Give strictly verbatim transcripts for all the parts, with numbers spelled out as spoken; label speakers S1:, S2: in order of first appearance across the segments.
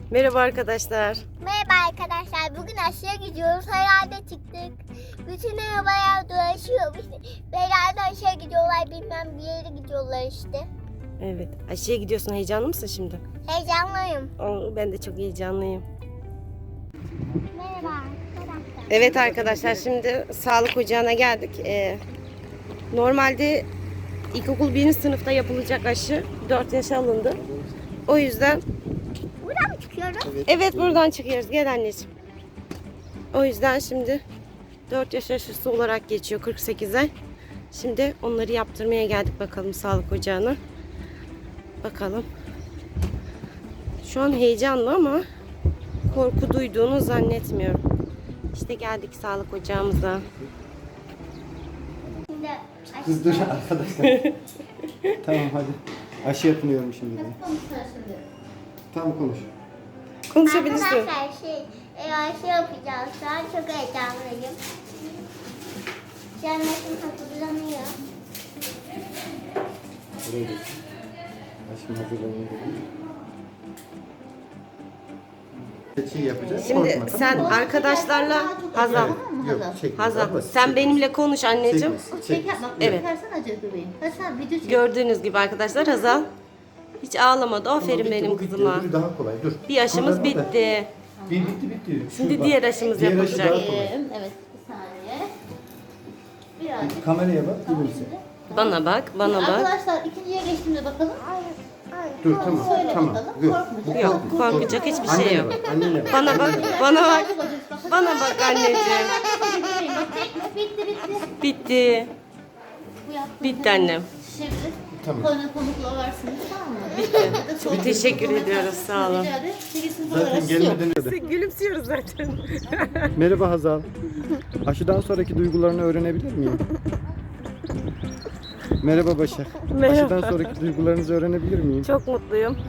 S1: Merhaba arkadaşlar.
S2: Merhaba arkadaşlar. Bugün aşıya gidiyoruz. Herhalde çıktık. Bütün arabalar dolaşıyor. İşte herhalde aşıya gidiyorlar. Bilmem bir yere gidiyorlar işte.
S1: Evet. Aşıya gidiyorsun. Heyecanlı mısın şimdi?
S2: Heyecanlıyım.
S1: Oo, ben de çok heyecanlıyım.
S2: Merhaba arkadaşlar.
S1: Evet arkadaşlar, şimdi sağlık ocağına geldik. Ee, normalde ilkokul birinci sınıfta yapılacak aşı dört yaşa alındı. O yüzden
S2: Buradan mı çıkıyoruz?
S1: evet, buradan çıkıyoruz. Gel anneciğim. O yüzden şimdi dört yaş aşısı olarak geçiyor, kırk sekiz ay. Şimdi onları yaptırmaya geldik bakalım sağlık ocağına. Bakalım. Şu an heyecanlı ama korku duyduğunu zannetmiyorum. İşte geldik sağlık ocağımıza.
S2: Şimdi
S3: Kız dur arkadaşlar. Tamam hadi. Aşı yapılıyorum şimdi. de. Tamam konuş.
S1: Konuşabilirsin.
S2: arkadaşlar şey, e, aşı yapacağız. Şu an çok heyecanlıyım. Cennetim hazırlanıyor.
S3: Buraya git. Aşım hazırlanıyor. Şey yapacağız.
S1: Şimdi
S3: korkma,
S1: sen
S3: tamam mı?
S1: arkadaşlarla Hazal.
S3: Yok, çekme.
S1: Hazal,
S3: Basit,
S1: sen
S3: çekme.
S1: benimle konuş anneciğim.
S3: Çekme,
S4: Çek,
S3: çekme.
S4: bak,
S1: Evet.
S4: çekersen acı bebeğim. Ha sen video çek.
S1: Gördüğünüz gibi arkadaşlar Hazal hiç ağlamadı.
S3: Tamam,
S1: Aferin
S3: bitti,
S1: benim
S3: bu bitti.
S1: kızıma.
S3: Öbürü daha kolay. Dur.
S1: Bir aşımız
S3: Kıvırma da.
S1: bitti.
S3: Bir bitti bitti. Şu
S1: Şimdi
S3: bak.
S1: diğer aşımız
S3: Diğer aşı
S1: yapılacak.
S3: daha kolay.
S4: Ee, evet bir saniye. Birazcık.
S3: Kameraya bak. Gülümse.
S1: Bana bak, bana bak.
S4: Arkadaşlar ikinciye geçtiğimde bakalım.
S3: Dur tamam.
S4: Söyle
S3: Tamam.
S4: bakalım,
S3: Dur.
S4: korkmayacak.
S1: Yok, korkacak hiçbir şey
S3: Annene
S1: yok.
S3: bak. Annene bak.
S1: Bana bak, bana bak. Bana bak anneciğim.
S4: Bitti bitti.
S1: Bitti.
S4: Bu yaptığınız
S1: Bitti annem.
S4: Şimdi
S3: Tamam.
S4: koyuna konukla varsınız tamam mı?
S1: Bitti. Çok teşekkür ediyoruz, sağ olun.
S4: Rica ederim. sekiz sınıf arası
S3: Zaten
S4: yok.
S3: gelmeden önce.
S1: Gülümsüyoruz zaten.
S3: Merhaba Hazal. Aşıdan sonraki duygularını öğrenebilir miyim? Merhaba Başak.
S1: Merhaba.
S3: Aşıdan sonraki duygularınızı öğrenebilir miyim?
S1: Çok mutluyum.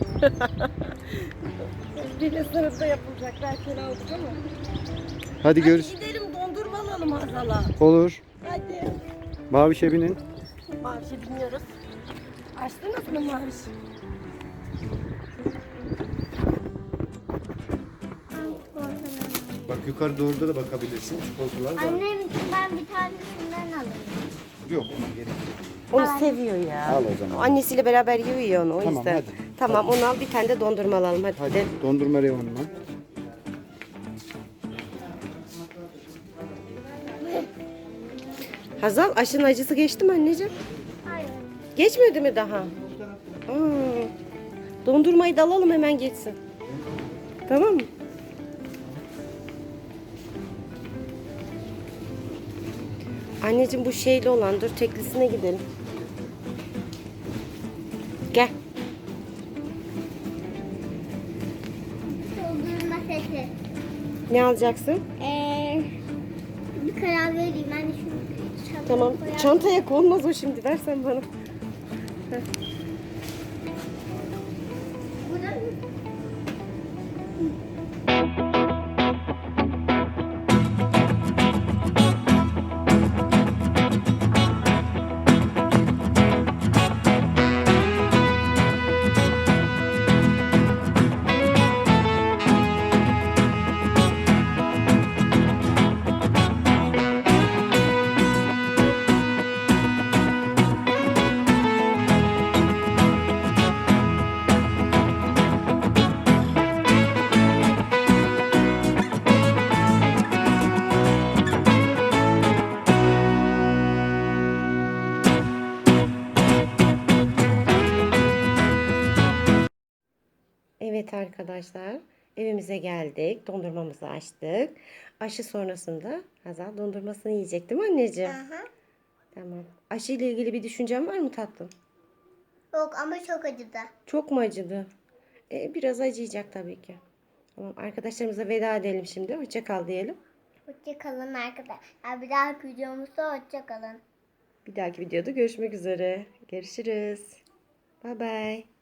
S1: Birinci sınıfta yapılacak. Belki aldık ama.
S3: Hadi görüş.
S1: Gidelim dondurma alalım Hazal'a.
S3: Olur.
S1: Hadi.
S3: Mavişe binin.
S1: Mavişe biniyoruz. Açtınız mı Maviş?
S3: Bak yukarı doğru da bakabilirsin. Çikolatalar var.
S2: Annem ben bir tanesinden alayım.
S3: Yok ona gerek yok.
S1: Onu seviyor ya.
S3: Al o zaman.
S1: Annesiyle beraber yiyor ya onu, o
S3: Tamam,
S1: yüzden.
S3: hadi.
S1: Tamam, onu al, bir tane de dondurma alalım hadi.
S3: Hadi dondurma reyonuna.
S1: Hazal, aşının acısı geçti mi anneciğim?
S2: Hayır.
S1: Geçmedi mi daha? Aa, dondurmayı da alalım, hemen geçsin. Tamam mı? Anneciğim bu şeyli olan, dur teklisine gidelim. Gel.
S2: Doldurma sesi.
S1: Ne alacaksın?
S2: Ee, bir karar vereyim. Ben de şunu çantaya
S1: Tamam.
S2: koyarım.
S1: Çantaya konmaz o şimdi. Versen bana.
S2: Burada mı?
S1: Evet arkadaşlar, evimize geldik. Dondurmamızı açtık. Aşı sonrasında Hazal dondurmasını yiyecek değil mi anneciğim?
S2: Aha.
S1: Tamam. Aşı ile ilgili bir düşüncen var mı tatlım?
S2: Yok ama çok acıdı.
S1: Çok mu acıdı? E, biraz acıyacak tabii ki. Tamam, arkadaşlarımıza veda edelim şimdi. Hoşça kal diyelim.
S2: Hoşça kalın arkadaşlar. Bir dahaki videomuzda hoşça kalın.
S1: Bir dahaki videoda görüşmek üzere. Görüşürüz. Bye bye.